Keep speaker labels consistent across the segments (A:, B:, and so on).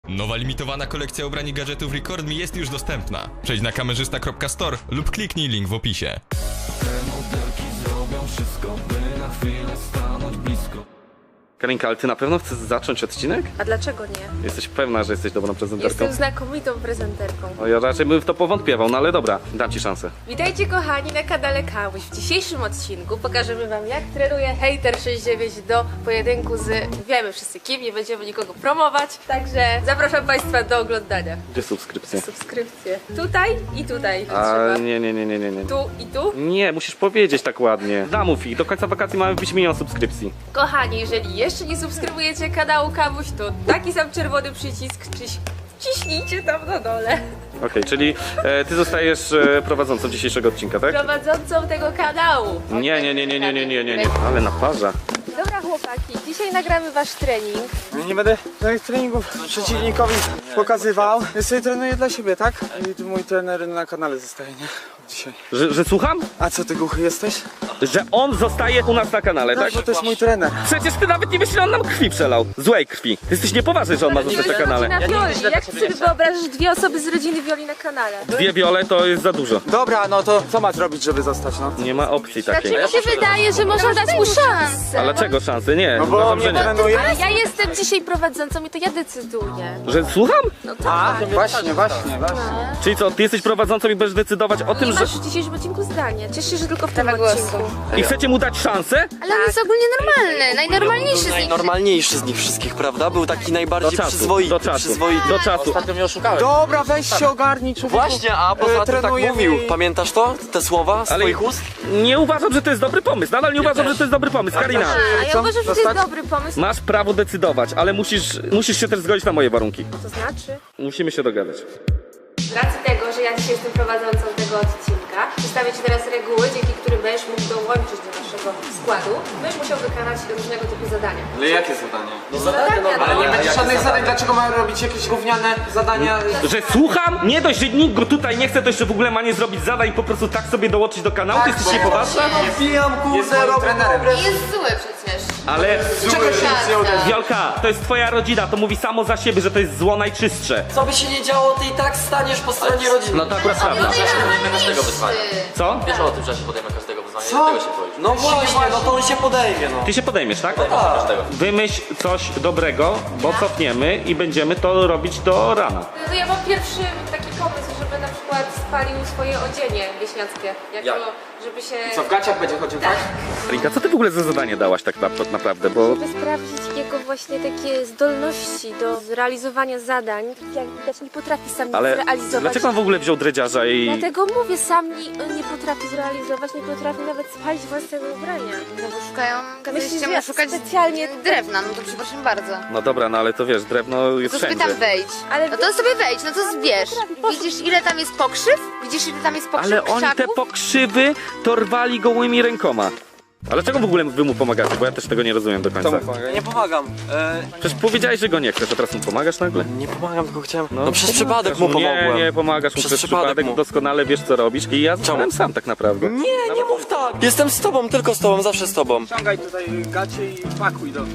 A: Nowa limitowana kolekcja ubrań i gadżetów Record Me jest już dostępna. Przejdź na kamerzysta.store lub kliknij link w opisie.
B: Te modelki zrobią wszystko, by na chwilę stanąć blisko.
C: Karinka, ale ty na pewno chcesz zacząć odcinek?
D: A dlaczego nie?
C: Jesteś pewna, że jesteś dobrą prezenterką?
D: Jestem znakomitą prezenterką.
C: No ja raczej bym w to powątpiewał, no ale dobra, dam ci szansę.
D: Witajcie kochani na kanale Kamuś. W dzisiejszym odcinku pokażemy wam, jak trenuje Hater69 do pojedynku z... Wiemy wszyscy kim, nie będziemy nikogo promować. Także zapraszam państwa do oglądania.
C: Gdzie subskrypcje?
D: Subskrypcje. Tutaj i tutaj.
C: A
D: Trzeba.
C: nie.
D: Tu i tu.
C: Nie, musisz powiedzieć tak ładnie. Zamów ich, do końca wakacji mamy wbić 1 000 000 subskrypcji.
D: Kochani, jeżeli jeszcze nie subskrybujecie kanału Kamuś, to taki sam czerwony przycisk ciśnijcie tam na dole.
C: Okej, czyli ty zostajesz prowadzącą dzisiejszego odcinka, tak?
D: Prowadzącą tego kanału.
C: Nie. Ale naparza.
D: Dobra chłopaki, dzisiaj nagramy wasz trening.
E: Nie będę moich treningów przeciwnikowi pokazywał. Ja sobie trenuję dla siebie, tak? I tu mój trener na kanale zostaje, nie? Dzisiaj.
C: Że słucham?
E: A co, ty głuchy jesteś?
C: Że on zostaje u nas na kanale, tak?
E: Bo to jest mój trener.
C: Przecież ty nawet nie wiesz, ile on nam krwi przelał. Złej krwi. Ty jesteś niepoważny, że on ma zostać na kanale.
D: Rodzina Wioli. Jak ty sobie wyobrażasz 2 osoby z rodziny Wioli na kanale?
C: 2 wiole to jest za dużo.
E: Dobra, no to co ma zrobić, żeby zostać, no?
C: Nie ma opcji takiej.
D: Znaczy mi się wydaje, że można dać mu szansę.
C: Ale czego szansy? Nie,
E: No bo
C: uważam, że
E: mnie
C: nie.
E: trenuje.
D: Ale ja jestem dzisiaj prowadzącą i to ja decyduję.
C: Że słucham?
D: No
E: A,
D: tak.
E: właśnie.
C: Czyli co, ty jesteś prowadzącą i będziesz decydować o tym,
D: Nie
C: że...
D: masz w dzisiejszym odcinku zdania. Cieszę się, że tylko w tym odcinku.
C: I chcecie mu dać szansę?
F: Ale on jest ogólnie normalny, najnormalniejszy z nich.
G: Najnormalniejszy z nich wszystkich, prawda? Był taki najbardziej
C: Do czasu,
G: przyzwoity.
C: do czasu, do czasu.
E: Dobra, weź się ogarnij, człowieku.
G: Właśnie, a poza tym tak
E: Trenujemy
G: mówił.
E: i-
G: Pamiętasz to? Te słowa z
C: Ale
G: twoich ust?
C: nie uważam, że to jest dobry pomysł. Nadal nie uważam, że to jest dobry pomysł. Karina,
D: A ja
E: Co?
D: uważam, że to
E: Zostać?
D: jest dobry pomysł.
C: masz prawo decydować, ale musisz się też zgodzić na moje warunki.
D: To znaczy?
C: Musimy się dogadać.
D: Z racji tego, że ja dzisiaj jestem prowadzącą tego odcinka, przedstawię Ci teraz reguły, dzięki którym będziesz mógł dołączyć do naszego składu. Będziesz musiał wykonać różnego typu zadania.
E: Ale jakie zadanie?
D: Zadania,
E: Ale nie będzie żadnych zadań, dlaczego mają robić jakieś gówniane zadania?
C: Że słucham? Nie dość, że nikt go tutaj nie chce, to jeszcze w ogóle ma nie zrobić zadań i po prostu tak sobie dołączyć do kanału? Ty jesteś niepoważna?
G: Pijam
E: Jest moim trenerem.
F: Jest zły przecież.
C: Ale
F: Prawda.
C: Wiolka, to jest twoja rodzina, to mówi samo za siebie, że to jest zło najczystsze.
G: Co by się nie działo, ty i tak staniesz po stronie rodziny.
C: No to akurat prawda.
F: Każdego wyzwania.
C: Co?
H: Wiesz o tym, że ja się podejmę każdego wyzwania,
G: Co?
H: tego się boisz.
G: No właśnie, no to on się podejmie, no.
C: Ty się podejmiesz, tak?
H: Każdego.
C: Wymyśl coś dobrego, bo cofniemy i będziemy to robić do rana.
D: No ja mam pierwszy taki pomysł, żeby na przykład spalił swoje odzienie wieśniackie.
H: Jak?
D: Żeby się...
E: Co, w gaciach będzie chodził, tak?
C: Rinka, co ty w ogóle za zadanie dałaś tak naprawdę, bo...
D: Żeby sprawdzić jego właśnie takie zdolności do realizowania zadań. Jak widać nie potrafi sam nic
C: Ale
D: zrealizować.
C: dlaczego on w ogóle wziął dredziarza i...
D: Dlatego mówię, sam nie potrafi zrealizować, nie potrafi nawet spalić własnego ubrania.
F: No bo szukają, kazaliście
D: Myślisz,
F: mu
D: że
F: szukać
D: specjalnie-
F: drewna, no to przepraszam bardzo.
C: No dobra, no ale to wiesz, drewno jest
F: To sobie
C: wszędzie.
F: tam wejdź.
D: Ale
F: No to sobie wejdź, no to zbierz. Widzisz ile tam jest pokrzyw? Widzisz ile tam jest pokrzyw
C: Ale oni te
F: krzaków?
C: pokrzywy torwali gołymi rękoma. Ale czego w ogóle wy mu pomagacie? Bo ja też tego nie rozumiem do końca.
G: Nie pomagam.
C: Przecież powiedziałeś, że go nie chcesz, a teraz mu pomagasz nagle?
G: Nie pomagam, tylko chciałem... No,
C: pomagasz
G: przez przypadek mu pomogłem.
C: Nie pomagasz mu
G: Przez
C: przez przypadek,
G: mu.
C: doskonale wiesz co robisz i ja zostałem sam tak naprawdę.
G: Nie mów tak. Jestem z tobą, tylko z tobą, zawsze z tobą.
E: Ściągaj tutaj gacie i pakuj do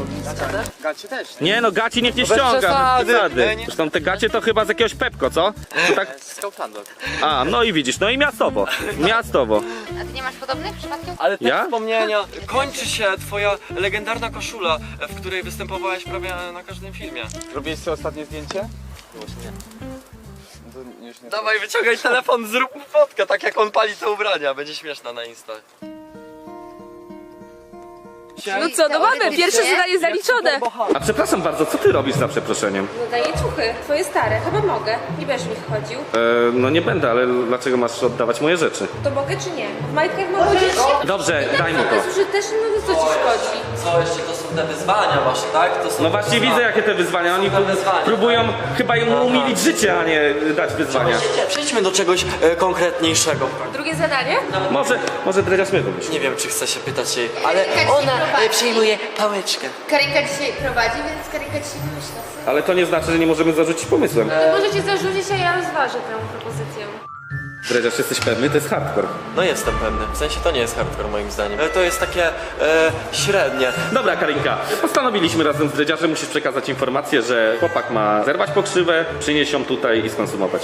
E: gacie też.
C: Nie no, gaci niech nie
G: bez
C: ściąga,
G: przesady.
C: przesady.
G: Nie.
C: Zresztą te gacie to chyba z jakiegoś Pepko, co? To tak... A, no i widzisz, no i miastowo. Miastowo.
F: A ty nie masz podobnych przypadkiem?
G: Ale te
C: Ja?
G: wspomnienia. Kończy się twoja legendarna koszula, w której występowałeś prawie na każdym filmie.
E: Robiłeś sobie ostatnie zdjęcie? To już nie.
G: Dawaj, wyciągaj telefon, zrób mu fotkę, tak jak on pali te ubrania. Będzie śmieszna na Insta.
D: No co, no mamy, pierwsze zadanie zaliczone.
C: A przepraszam bardzo, co ty robisz za przeproszeniem?
D: No daję ciuchy, twoje stare, chyba mogę. Nie będziesz w nich chodził.
C: No nie będę, ale dlaczego masz oddawać moje rzeczy?
D: To mogę czy nie? W majtkach mogę chodzić?
C: Dobrze, daj mu
D: To
C: to.
D: jest użyteczne, no to co ci szkodzi?
G: Co jeszcze to są te wyzwania wasze, tak? To są
C: No właśnie widzę jakie te wyzwania, oni próbują chyba mu umilić życie, a nie dać wyzwania.
G: Przejdźmy do czegoś konkretniejszego.
D: Drugie zadanie?
C: Może dredziarz mnie wymyśli.
G: Nie wiem, czy chcę się pytać jej, ale
F: Karinka
G: ona
F: dzisiaj prowadzi.
G: przejmuje pałeczkę.
F: Karinka dzisiaj prowadzi, więc Karinka dzisiaj wymyśla sobie.
C: Ale to nie znaczy, że nie możemy zarzucić pomysłem.
D: To możecie zarzucić, a ja rozważę tę propozycję.
C: Dredziarz, jesteś pewny? To jest hardcore.
G: No jestem pewny, w sensie to nie jest hardcore moim zdaniem. To jest takie średnie.
C: Dobra, Karinka, postanowiliśmy razem z Dredziarzem, musisz przekazać informację, że chłopak ma zerwać pokrzywę, przynieść ją tutaj i skonsumować.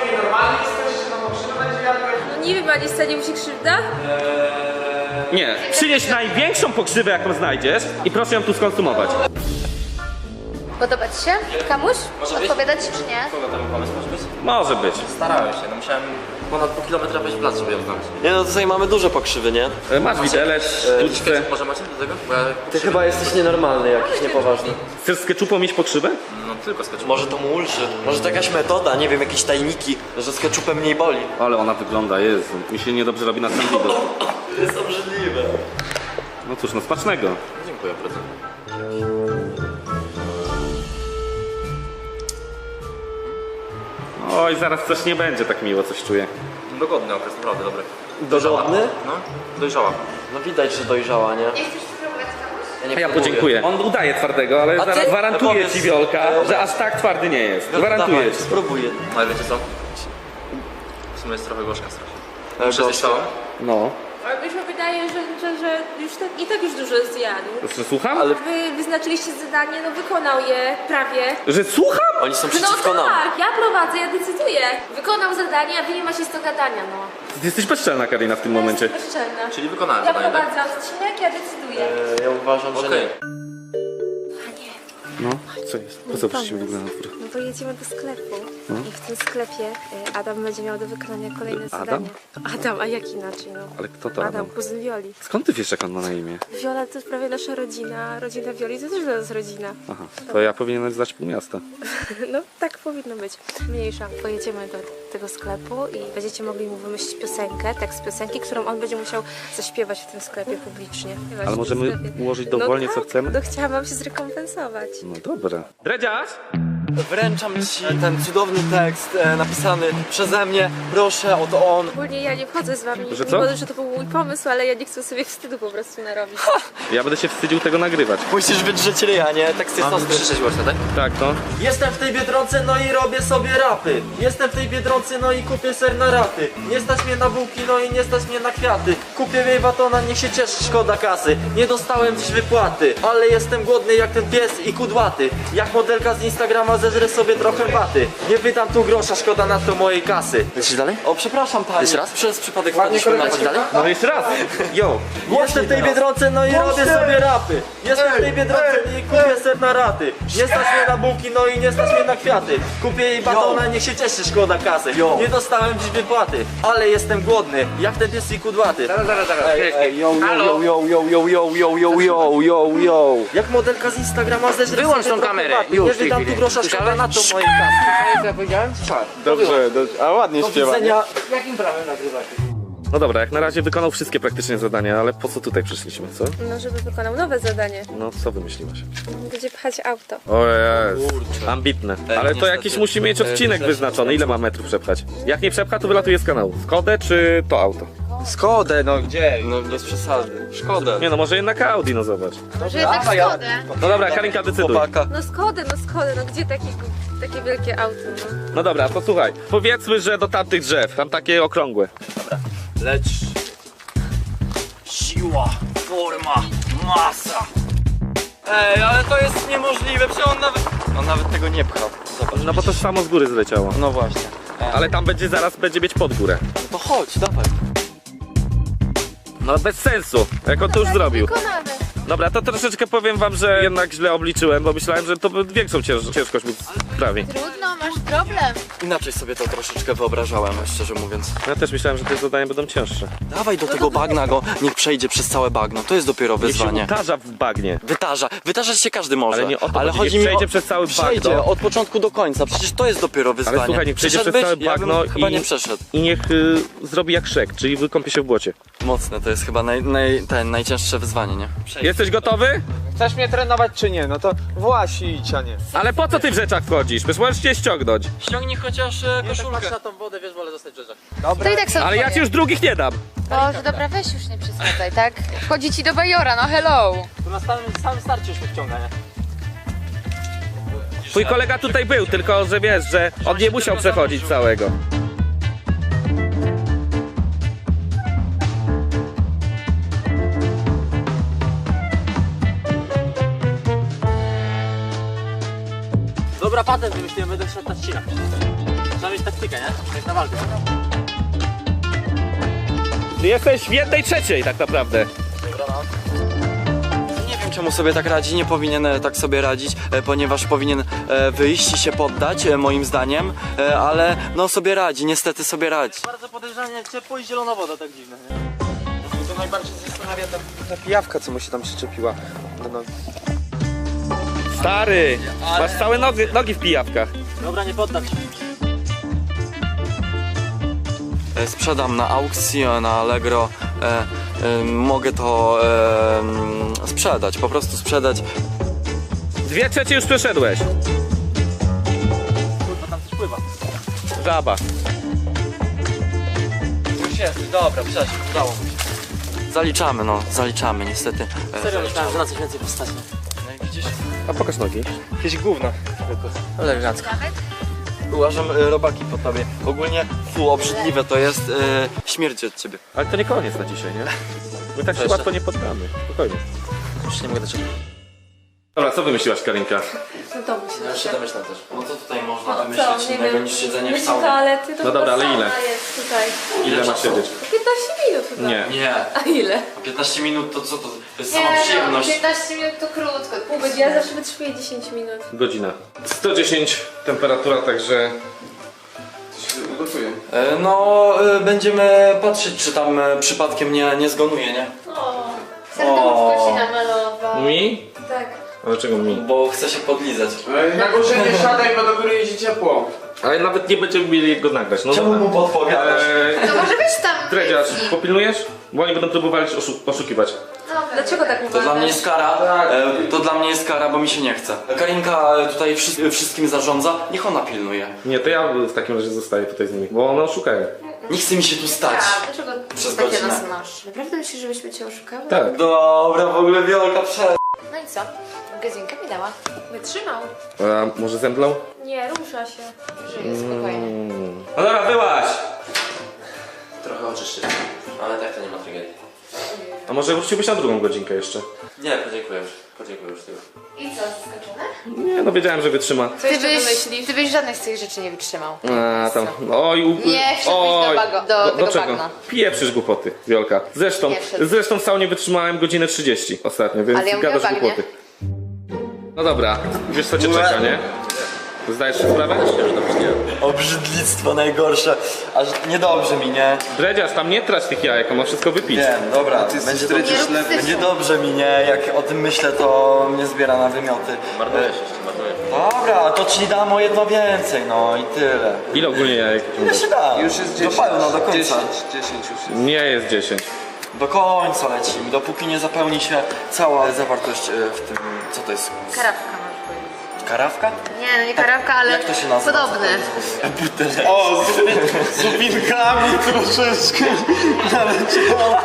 D: No nie wiem, a nie stanie mu się krzywda?
C: Nie, przynieś największą pokrzywę, jaką znajdziesz i proszę ją tu skonsumować.
F: Podoba ci się? Kamuś?
G: Może być?
F: Odpowiadać ci, czy nie?
G: Kogo ten pomysł może być?
C: Może być.
G: Starałem się, no musiałem ponad pół kilometra wejść w las, żeby ją znaleźć. Nie no, tutaj mamy dużo pokrzywy, nie?
C: Masz widelec, sztuczkę.
G: Może macie do tego? Bo ja Ty chyba jesteś nienormalny jakiś, niepoważny.
C: Chcesz z ketchupą mieć pokrzywę?
G: No tylko z ketchupem. Może to mu ulży. Może to jakaś metoda, nie wiem, jakieś tajniki, że z ketchupem mniej boli.
C: Ale ona wygląda, Jezu. Mi się niedobrze robi na sam widok.
G: To jest obrzydliwe.
C: No cóż, no smacznego.
G: Dziękuję bardzo.
C: Oj, zaraz coś nie będzie tak miło, coś czuję.
G: Dogodny okres, naprawdę dobry.
C: Dogodny?
G: No, dojrzała. No widać, że dojrzała, nie?
F: Nie chcesz spróbować, Kamuś?
C: A ja podziękuję. On udaje twardego, ale
G: A ty?
C: zaraz gwarantuję
G: Powiedz.
C: ci, Wiolka, że aż tak twardy nie jest. Gwarantuję ci.
G: Spróbuję. Ale wiecie co? W sumie jest trochę gorzka strasznie. Muszę zjeść całą?
C: No.
D: Ale mi się wydaje, że już tak, i tak już dużo zjadł.
C: Że słucham?
D: Wy wyznaczyliście zadanie, no wykonał je prawie.
C: Że słucham?
G: Oni są
D: No
G: przeciwko nam.
D: tak, ja prowadzę, ja decyduję. Wykonał zadanie, a wy nie macie z to gadania, no.
C: Ty jesteś bezczelna, Karina, w tym momencie.
D: Jestem bezczelna.
G: Czyli wykonałem
D: Ja
G: zadanie, tak?
D: prowadzę odcinek, ja decyduję.
G: Ja uważam, że nie.
C: No, co jest? Po co przyszliśmy w ogóle na dwór?
D: No to jedziemy do sklepu i w tym sklepie Adam będzie miał do wykonania kolejne
C: Adam?
D: zadanie. Adam, a jak inaczej, no?
C: Ale kto to Adam?
D: kuzyn Wioli.
C: Skąd ty wiesz, jak on ma na imię?
D: Wiola to jest prawie nasza rodzina, a rodzina Wioli to też dla nas rodzina.
C: Aha, to ja powinienem znać pół miasta.
D: No tak powinno być. Mniejsza. Pojedziemy do tego sklepu i będziecie mogli mu wymyślić piosenkę, tekst piosenki, którą on będzie musiał zaśpiewać w tym sklepie publicznie. Śpiewać
C: Ale
D: w tym
C: możemy
D: sklepie.
C: ułożyć dowolnie,
D: no
C: co
D: tak,
C: chcemy?
D: No chciałam wam się zrekompensować.
C: No dobra. Dredziarz?
G: Wręczam ci ten cudowny tekst napisany przeze mnie. Proszę, oto on.
D: Ogólnie ja nie wchodzę z wami,
C: Że co?
D: mimo że to był mój pomysł, ale ja nie chcę sobie wstydu po prostu narobić.
C: Ja będę się wstydził tego nagrywać.
G: Musisz wydrzeć ryja, nie? Tekst jest ostry. Krzyczeć głośno, tak?
C: Tak, no.
G: Jestem w tej Biedronce, no i robię sobie rapy. Jestem w tej Biedronce, no i kupię ser na raty. Nie stać mnie na bułki, no i nie stać mnie na kwiaty. Kupię jej batona, niech się cieszy, szkoda kasy. Nie dostałem dziś wypłaty, ale jestem głodny jak ten pies i kudłaty. Jak modelka z Instagrama zeżrę sobie trochę baty. Nie wydam tu grosza, szkoda na to mojej kasy. Lecisz dalej? O, przepraszam pani. Jeszcze raz? Przez przypadek wpadliśmy na dalej?
C: No jeszcze raz. Yo.
G: Jestem w tej Biedronce, no i robię sobie rapy. Jestem w tej Biedronce i kupię ser na raty. Nie stać mnie na bułki, no i nie stać mnie na kwiaty. Kupię jej batona, niech się cieszy, szkoda kasy. Nie dostałem dziś wypłaty, ale jestem głodny, jak ten pies i kudłaty. Yo. Jak modelka z Instagrama zeżrę
H: Wyłącz
G: sobie
H: tą
G: trochę
H: kamerę.
G: baty.
H: Już
G: Nie
H: w tej
G: wydam tu
H: chwili.
G: grosza, szkoda na to mojej kasy.
H: Co ja powiedziałem?
E: Dobrze, a ładnie
G: Do
E: śpiewa.
G: widzenia.
H: Jakim prawem nagrywacie?
C: No dobra, jak na razie wykonał wszystkie praktycznie zadania, ale po co tutaj przyszliśmy, co?
D: No, żeby wykonał nowe zadanie.
C: No, co wymyśliłaś?
D: Będzie pchać auto.
C: O Jezu, ambitne. Ale to
G: niestety.
C: jakiś musi mieć odcinek
G: Źle się
C: wyznaczony, ile ma metrów przepchać. Jak nie przepcha, to wylatuje z kanału. Skodę czy to auto?
E: Skodę, no gdzie?
G: No bez przesady. Szkoda.
C: Nie no, może jednak Audi, no zobacz.
F: Może jednak Skodę.
C: No dobra, Karinka, decyduj.
G: Chłopaka.
D: No Skodę, no gdzie takie wielkie auto, no?
C: No dobra, to słuchaj. Powiedzmy, że do tamtych drzew, tam takie okrągłe.
G: Lecz siła, forma, masa. Ej, ale to jest niemożliwe, przecież on nawet tego nie pchał. Zobacz.
C: No bo to samo z góry zleciało.
G: No właśnie.
C: Ale tam zaraz będzie mieć pod górę.
G: No to chodź, dawaj.
C: No bez sensu, jak on to już zrobił.
F: Wykonamy.
C: Dobra, to troszeczkę powiem wam, że jednak źle obliczyłem, bo myślałem, że to większą ciężkość móc sprawić.
F: Trudno, masz problem.
G: Inaczej sobie to troszeczkę wyobrażałem, szczerze mówiąc.
C: Ja też myślałem, że te zadania będą cięższe.
G: Dawaj do tego bagna go, niech przejdzie przez całe bagno. To jest dopiero
C: Niech się
G: wyzwanie.
C: utarza w bagnie.
G: Wytarzać się każdy może.
C: Ale nie o to chodzi,
G: chodzi
C: niech
G: mi
C: przejdzie
G: o...
C: przez cały
G: Przejdzie
C: bagno.
G: od początku do końca, przecież to jest dopiero wyzwanie.
C: Ale słuchaj, niech przejdzie przez
G: Przeszedłbyś?
C: całe bagno
G: ja bym chyba
C: i-
G: nie przeszedł.
C: I niech zrobi jak Szrek, czyli wykąpie się w błocie.
G: Mocne, to jest chyba najcięższe wyzwanie, nie?
C: Jesteś gotowy?
E: Chcesz mnie trenować czy nie? No to właśnie idź, a nie.
C: Ale po co ty w rzeczach wchodzisz? Przecież możesz się ściągnąć.
G: Ściągnij chociaż koszulkę.
E: tą wodę, wiesz, wolę zostać w rzeczach.
F: To i tak są
C: Ale ja ci
F: twoje.
C: już drugich nie dam.
F: Boże, dobra, weź już nie przesadzaj, tak? Wchodzi ci do bajora, no hello.
E: Tu na samym starcie już mnie wciąga, nie?
C: Twój kolega tutaj był, tylko że wiesz, że on nie musiał przechodzić całego.
G: Dobra, patent wymyśliłem, będę szedł na ścinach. Trzeba mieć taktykę, nie? Jak na walkę.
C: Ty jesteś w 1/3 tak naprawdę.
H: Nie wiem, czemu sobie tak radzi, nie powinien tak sobie radzić, ponieważ powinien wyjść i się poddać, moim zdaniem, ale no sobie radzi, niestety sobie radzi.
G: Bardzo podejrzanie ciepło i zielona woda, tak dziwne, nie?
E: To najbardziej zastanawia ta pijawka, co mu się tam przyczepiła. No.
C: Stary, masz całe nogi w pijawkach.
G: Dobra, nie poddam się.
H: Sprzedam na aukcji, na Allegro, mogę to sprzedać, po prostu sprzedać.
C: 2/3 już przeszedłeś.
G: Kurwa, tam coś pływa.
C: Żaba.
H: Już jest, dobra, przeszedł, udało mi się. Zaliczamy, no, zaliczamy, niestety.
G: Serio, myślałem, że na coś więcej postać.
H: No i widzisz?
C: A pokaż nogi.
E: Jakieś gówno.
H: Elegancko. Uważam robaki po tobie. Ogólnie, obrzydliwe to jest, śmierdzi od ciebie.
C: Ale to nie koniec na dzisiaj, nie? My tak się
H: Jeszcze.
C: łatwo nie poddamy. Spokojnie.
H: Już nie mogę doczekać.
C: Dobra, co wymyśliłaś, Karinka?
D: No to myślę.
H: Ja już się domyślam też. No co tutaj można
D: Co?
H: wymyślić
D: Nie
H: innego
D: wiem.
H: niż siedzenie w
D: Myśl
H: saunie?
D: toalety, to
C: No dobra, ale
D: sauna
C: ile?
D: jest tutaj.
C: Ile masz siedzieć?
D: 15 minut chyba.
C: Nie.
H: Nie.
D: A ile?
H: 15 minut to co to? To jest
D: Nie,
H: sama przyjemność.
D: 15 minut to krótko, pół godziny. Ja zawsze wytrzymuję 10 minut.
C: Godzina. 110 temperatura, także...
H: No, będziemy patrzeć, czy tam przypadkiem nie zgonuje, nie?
D: Serduszko się namalował.
C: Mi?
D: Tak.
C: A dlaczego mi?
H: Bo chcę się podlizać.
E: Na górze nie siadaj, bo do góry jeździ ciepło.
C: Ale nawet nie będziemy mieli go nagrać. No
H: Czemu
C: dobra.
H: mu podpowiadasz?
F: To może być tam.
C: Dredziarz, popilnujesz? Bo oni będą próbowali oszukiwać.
D: Dlaczego tak
H: To
D: uważasz?
H: dla mnie jest kara, to dla mnie jest kara, bo mi się nie chce. Karinka tutaj wszystkim zarządza, niech ona pilnuje.
C: Nie, to ja w takim razie zostaję tutaj z nimi, bo one oszukają.
H: Nie chce mi się tu stać.
D: Dlaczego
H: Przez
D: takie
H: godzinę.
D: nas masz? Naprawdę myślisz, żebyśmy cię oszukały?
C: Tak.
H: Dobra, w ogóle Wiolka przed.
F: No i co? Gazinka mi dała.
D: Wytrzymał.
C: A może zemdlą?
D: Nie, rusza się.
F: Żyję spokojnie.
C: No dobra, wyłaź!
H: Trochę oczyszczę, ale tak to nie ma tragedii.
C: A może wróciłbyś na drugą godzinkę jeszcze?
H: Nie, podziękuję już tego.
F: I co, zaskoczone?
C: Nie, no wiedziałem, że wytrzyma.
D: Co jeszcze wymyślisz?
F: Ty byś żadnych z tych rzeczy nie wytrzymał.
C: A tam, oj,
F: Nie wszedłbyś do tego
C: czego?
F: bagna.
C: Pieprzysz głupoty, Wiolka. Zresztą,
F: Nie wszedł.
C: w saunie wytrzymałem godzinę 30 ostatnio, więc
F: Ale ja mówię
C: gadasz
F: o bagnie.
C: głupoty. No dobra, wiesz co cię czeka, nie? Zdajesz sobie sprawę?
H: Obrzydlictwo najgorsze, aż niedobrze mi, nie?
C: Dredziarz, tam nie trać tych jajek, on ma wszystko wypić.
H: Wiem, dobra, będzie,
F: Nie rób syfu.
H: będzie dobrze mi, nie? Jak o tym myślę, to mnie zbiera na wymioty.
G: Marnujesz jeszcze, marnujesz.
H: Dobra, to ci dam o jedno więcej, no i tyle.
C: Ile ogólnie jajek?
H: Jeszcze dam.
E: Już jest 10.
H: Do pełna, do końca.
E: 10 już jest.
C: Nie jest 10.
H: Do końca lecimy, dopóki nie zapełni się cała zawartość w tym, co to jest?
F: Karawka możesz powiedzieć.
H: Karawka?
F: Nie, no nie karawka, ale
H: Jak to się nazywa?
F: podobny.
H: O, z upinkami troszeczkę naleciało.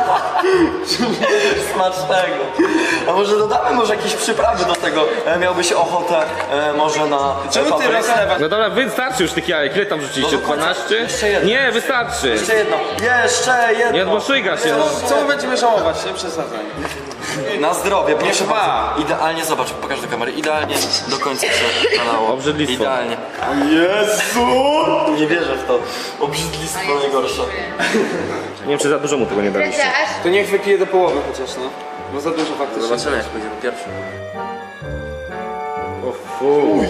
H: Smacznego. A może dodamy jakieś przyprawy do tego? Miałbyś ochotę może na
E: Czemu ty
H: paprykę?
E: rozlewasz?
C: No dobra, wystarczy już tych jajek. Ile tam rzuciliście?
H: No do końca.
C: 12?
H: Jeszcze jedno.
C: Nie, wystarczy.
H: Jeszcze jedno. Jeszcze jedno.
C: Nie odboszyga się. No.
E: Co my będziemy żałować, nie przesadzaj.
H: Na zdrowie, proszę
E: dwa.
H: bardzo. Idealnie, zobacz, pokaż do kamery. Idealnie do końca się nalało.
C: Obrzydlistwo.
H: Idealnie. O Jezu! Nie wierzę w to. Obrzydlistwo najgorsze.
C: Nie wiem, czy za dużo mu tego nie daliście.
F: Dredziarz,
E: To niech wypije do połowy chociaż, no. Bo za dużo faktycznie.
G: Zobaczymy, jak będziemy pierwszy.
C: O fuj.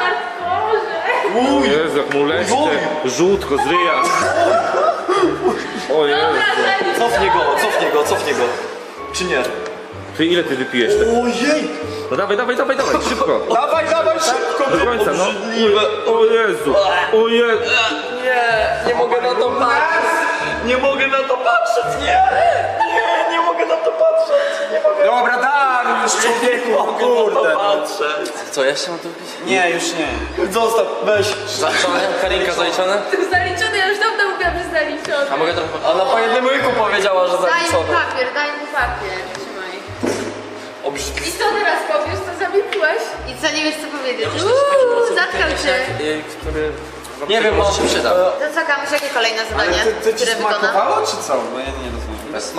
C: O Jezu, jak mu leci te żółtko z ryja. O Jezu.
H: Cofnij go. Czy nie?
C: Ty ile ty wypijesz?
H: Ojej!
C: No dawaj, szybko.
E: Dawaj, szybko!
C: Do końca, no. O Jezu. O Jezu.
H: Nie mogę na to patrzeć! Nie mogę na to patrzeć! Nie mogę na to patrzeć! Nie mogę
E: Dobra, dam już człowieku, kurde.
H: patrzeć! Co, jeszcze mam to wypić?
E: Nie, już nie.
H: Zostaw, weź!
G: Zaliczone? Karinka zaliczone?
D: Zaliczony, ja już dawno mówiłam, że zaliczony.
G: A mogę trochę...
H: Ona po jednym łyku powiedziała, że
F: daj mu
H: zaliczone.
F: papier, daj mu papier. Trzymaj.
H: Obrzydliwe.
D: I co teraz powiesz, to zamilkłeś?
F: I co, nie wiesz co powiedzieć? Zatkał cię.
G: Który...
H: Nie wiem,
G: może się przyda.
F: To co, Kamuś, jakie kolejne zadanie,
E: Ale ty ci
F: które wykona?
E: smakowało, czy co? Bo ja nie rozumiem.
G: Bez smaku.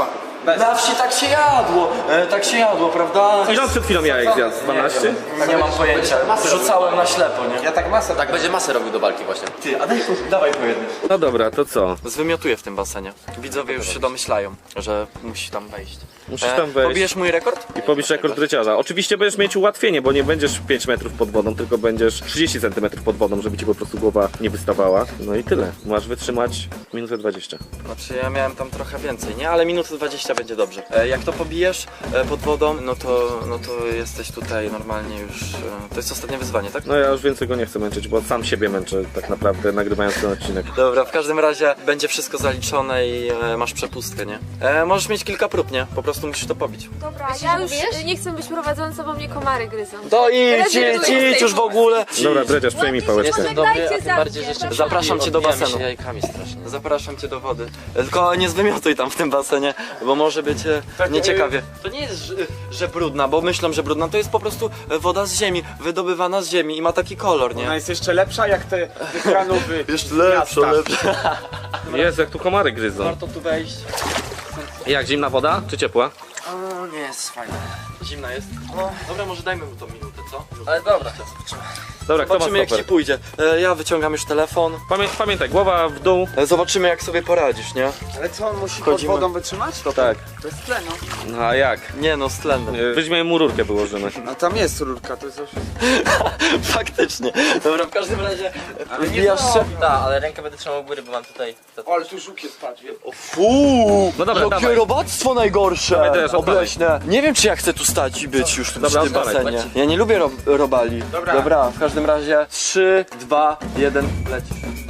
H: Na wsi tak się jadło, prawda?
C: Ile on przed chwilą jajek zjadł? 12?
H: Nie mam pojęcia, rzucałem na ślepo, nie?
E: Ja tak masę.
I: Tak będzie masę robił do walki właśnie.
H: Ty, a dawaj po jednym.
C: No dobra, to co?
H: Zwymiotuję w tym basenie. Widzowie już się domyślają, że musi tam wejść.
C: Musisz tam wejść.
H: Pobijesz mój rekord?
C: I pobisz rekord dryciarza. Oczywiście będziesz mieć ułatwienie, bo nie będziesz 5 metrów pod wodą, tylko będziesz 30 cm pod wodą, żeby ci po prostu głowa nie wystawała. No i tyle. Masz wytrzymać minutę 20.
H: Znaczy ja miałem tam trochę więcej, nie? Ale minutę 20 będzie dobrze. Jak to pobijesz pod wodą, no to jesteś tutaj normalnie już... To jest ostatnie wyzwanie, tak?
C: No ja już więcej go nie chcę męczyć, bo sam siebie męczę tak naprawdę nagrywając ten odcinek.
H: Dobra, w każdym razie będzie wszystko zaliczone i masz przepustkę, nie? Możesz mieć kilka prób, nie? Po prostu musisz to pobić.
D: Dobra,
F: Myślisz,
D: ja
F: że
D: już
F: wiesz?
D: nie chcę być prowadzącą, bo mnie komary gryzą.
H: To
D: Rezygnuję z
H: idź
D: tej
H: już w ogóle!
C: Dobra, Dredziarz, przejmij pałeczkę.
D: Jestem
I: Dobry, a
D: Dajcie
I: tym
D: za
I: bardziej,
D: mnie,
I: że jeszcze
H: Zapraszam cię do
I: odbijamy
H: basenu.
I: się jajkami strasznie.
H: Zapraszam cię do wody. Tylko nie zwymiotuj tam w tym basenie, bo może być nieciekawie. To nie jest, że brudna, bo myślą, że brudna. To jest po prostu woda z ziemi, wydobywana z ziemi i ma taki kolor, nie?
E: Ona jest jeszcze lepsza jak te kranowy.
H: Jeszcze lepsza.
C: Jezu, jak tu komary gryzą.
H: Warto tu wejść.
C: Jak, zimna woda czy ciepła?
H: O, nie jest fajne. Zimna jest. No, dobra, może dajmy mu to minutę, co?
I: Ale dobra.
C: Dobra, kto ma
H: Zobaczymy jak ci
C: stoper?
H: pójdzie. Ja wyciągam już telefon.
C: Pamiętaj, głowa w dół.
H: Zobaczymy jak sobie poradzisz, nie?
E: Ale co, on musi
H: Chodzimy.
E: pod wodą wytrzymać?
C: Tak.
E: To jest tleno.
C: No a jak?
H: Nie no, z tlenem.
C: Weźmiemy mu rurkę, wyłożymy.
E: No tam jest rurka, to jest już...
H: Faktycznie. Dobra, w każdym razie
E: Ale nie
H: wbijasz się.
I: Tak, ale rękę będę trzymał u góry, bo mam tutaj...
E: Ale tu żuk jest, patrz.
H: Fuu!
C: No dobra,
H: jakie
C: dawaj.
H: robactwo najgorsze!
C: Dawaj teraz, odpalaj.
H: Obleśne. Nie wiem czy ja chcę tu stać i być już tu
C: Dobra,
H: przy tym
C: odpalaj.
H: basenie. Ja nie lubię robali. Dobra, w każdym razie 3, 2, 1, lecisz.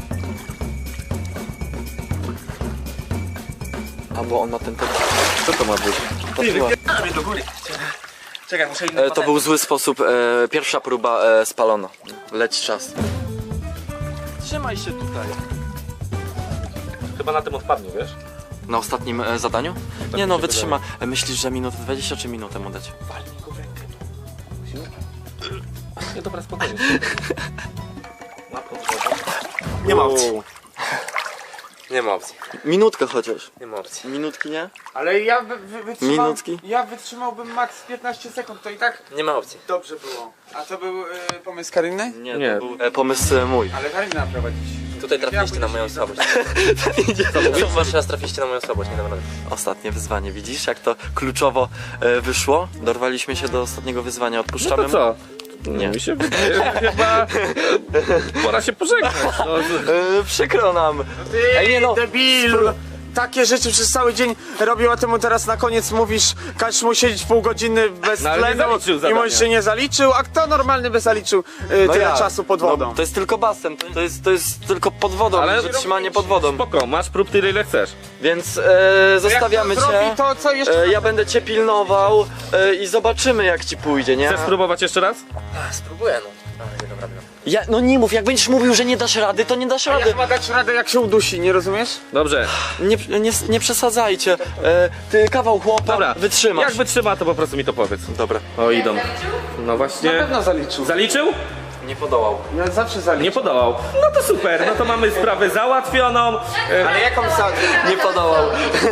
H: A bo on ma ten
C: Co to ma być?
I: do góry. Czekaj, muszę iść
H: To był zły sposób. Pierwsza próba spalona. Leci czas. Trzymaj się tutaj.
C: Chyba na tym odpadnie, wiesz?
H: Na ostatnim zadaniu? Nie no, wytrzyma. Myślisz, że minutę 20 czy minutę mu dać?
C: Nie, dobra, spokojnie.
I: Nie ma opcji. Nie ma opcji.
H: Minutkę chociaż.
I: Nie ma opcji.
H: Minutki nie?
E: Ale ja wytrzymał...
H: Minutki?
E: Ja wytrzymałbym max 15 sekund, to i tak
I: Nie ma opcji.
E: dobrze było. A to był pomysł Kariny?
H: Nie, to był pomysł mój.
E: Ale Karina prowadzić.
I: Tutaj trafiliście na moją słabość. Wasz raz trafiliście na moją słabość, nie dam rady.
H: Ostatnie wyzwanie, widzisz jak to kluczowo wyszło? Dorwaliśmy się do ostatniego wyzwania,
C: No
H: odpuszczamy
C: to co?
H: Nie.
C: Mi się wydaje, że chyba pora się pożegnać. No.
H: Przykro nam.
E: Ty,
H: Ej, nie no,
E: debilu! Takie rzeczy przez cały dzień robił, a ty mu teraz na koniec mówisz, każesz mu siedzieć pół godziny bez
C: No, ale nie
E: tlenu
C: zaliczył
E: i
C: zadania.
E: mówisz, że nie zaliczył, a kto normalny by zaliczył tyle
H: ja.
E: czasu pod wodą?
H: No, to jest tylko basen, to jest tylko pod wodą,
C: Ale-
H: wytrzymanie pod wodą.
C: Spoko, masz prób tyle ile chcesz.
H: Więc zostawiamy
E: Jak to
H: cię.
E: zrobi, to co jeszcze?
H: Ja będę cię pilnował i zobaczymy jak ci pójdzie, nie?
C: Chcesz spróbować jeszcze raz?
I: Spróbuję, no. Ale nie dam rady.
H: No nie mów, jak będziesz mówił, że nie dasz rady, to nie dasz
E: Ja
H: rady.
E: chyba dać radę jak się udusi, nie rozumiesz?
C: Dobrze.
H: Nie przesadzajcie. Ty kawał chłopa,
C: Dobra.
H: wytrzymasz.
C: Jak wytrzyma, to po prostu mi to powiedz.
H: Dobra.
C: O, idą. No
E: Na
C: właśnie.
E: pewno zaliczył.
C: Zaliczył?
H: Nie podołał.
E: Ja zawsze zaliczę.
C: Nie podołał. No to super, no to mamy sprawę załatwioną.
E: Ale jaką zaliczę?
H: Nie podołał.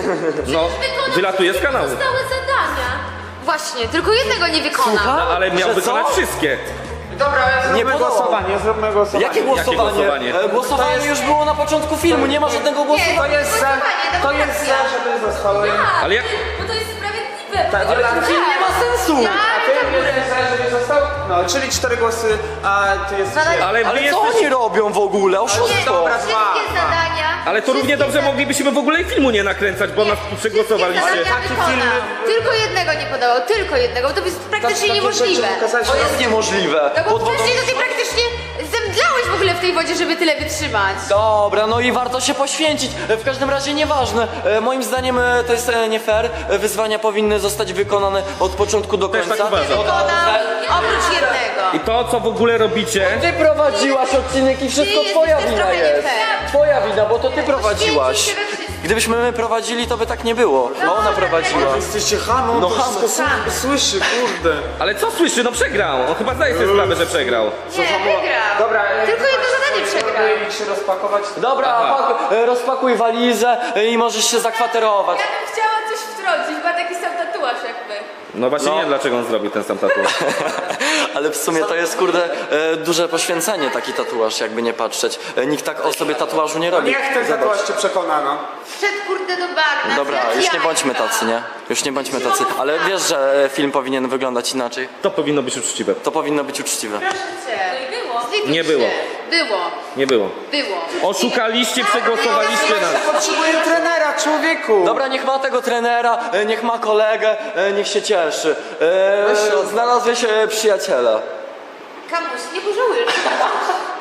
C: No, wylatuje z kanału.
F: Zostały zadania. Właśnie, tylko jednego nie wykona.
C: No, ale miał
H: Że
C: wykonać
H: co?
C: wszystkie.
E: Dobra,
H: Nie
E: zróbmy
H: podołał.
E: głosowanie, zróbmy głosowanie.
H: Jakie głosowanie?
C: głosowanie?
H: Głosowanie już było na początku filmu, nie ma żadnego głosu.
E: To jest za, to jest za, żeby zostało.
C: Ale jak...
D: Bo to jest sprawiedliwe.
H: Ale ten film nie ma sensu.
E: A ty jesteś za, żeby został? No, czyli 4 głosy, a ty jesteś...
C: Ale wy
H: Ale co
C: jesteś...
H: oni robią w ogóle? Oszustwo.
E: Dobra,
F: Wszystkie zadania.
C: Ale to równie dobrze moglibyśmy w ogóle i filmu nie nakręcać, bo nas tu przegłosowaliście.
F: Zadania wykonał. Tylko jednego nie podawał, tylko jednego, bo to jest praktycznie niemożliwe.
H: To jest niemożliwe.
F: No bo
H: Pod wodą-
F: wcześniej to ty praktycznie zemdlałeś w ogóle w tej wodzie, żeby tyle wytrzymać.
H: Dobra, no i warto się poświęcić. W każdym razie nieważne. Moim zdaniem to jest nie fair. Wyzwania powinny zostać wykonane od początku do
C: Też
H: końca.
C: tak uważam.
F: Wykonał oprócz jednego.
C: I to, co w ogóle robicie...
H: Ty prowadziłaś odcinek i wszystko
F: Ty
H: twoja
F: jesteś
H: wina
F: trochę nie
H: jest.
F: fair.
H: Twoja wina, bo to ty prowadziłaś.
F: Poświęcił się we wszystkim.
H: Gdybyśmy my prowadzili, to by tak nie było. A ona prowadziła.
E: Jesteście hamą,
H: No
E: to
H: hamą.
E: wszystko słyszy, kurde.
C: Ale co słyszy? No przegrał. On chyba zdaje sobie sprawę, że przegrał.
F: Nie, wygrał.
E: Dobra,
F: Tylko jedno zadanie przegrał.
E: idź się rozpakować.
H: Dobra, rozpakuj walizę i możesz się zakwaterować.
D: Ja bym chciała coś wtrącić. sądzisz? Ma taki sam tatuaż jakby.
C: No właśnie nie wiem, dlaczego on zrobił ten sam tatuaż.
H: Ale w sumie to jest, kurde, duże poświęcenie taki tatuaż, jakby nie patrzeć. Nikt tak o sobie tatuażu nie robi.
E: Niech ten tatuaż cię przekona, no.
F: Wszedł kurde do bagna.
H: Dobra, już nie bądźmy tacy, nie? Już nie bądźmy tacy. Ale wiesz, że film powinien wyglądać inaczej.
C: To powinno być uczciwe.
H: To powinno być uczciwe.
F: Proszę cię.
D: No i było.
F: Zlituj
C: Nie
F: się.
C: było.
F: Było.
C: Nie było.
F: Było.
C: Oszukaliście, przegłosowaliście nas.
E: Potrzebuję trenera, człowieku.
H: Dobra, niech ma tego trenera, niech ma kolegę, niech się cieszy. Znalazłeś przyjaciela.
F: Kamuś, nie pożałujesz.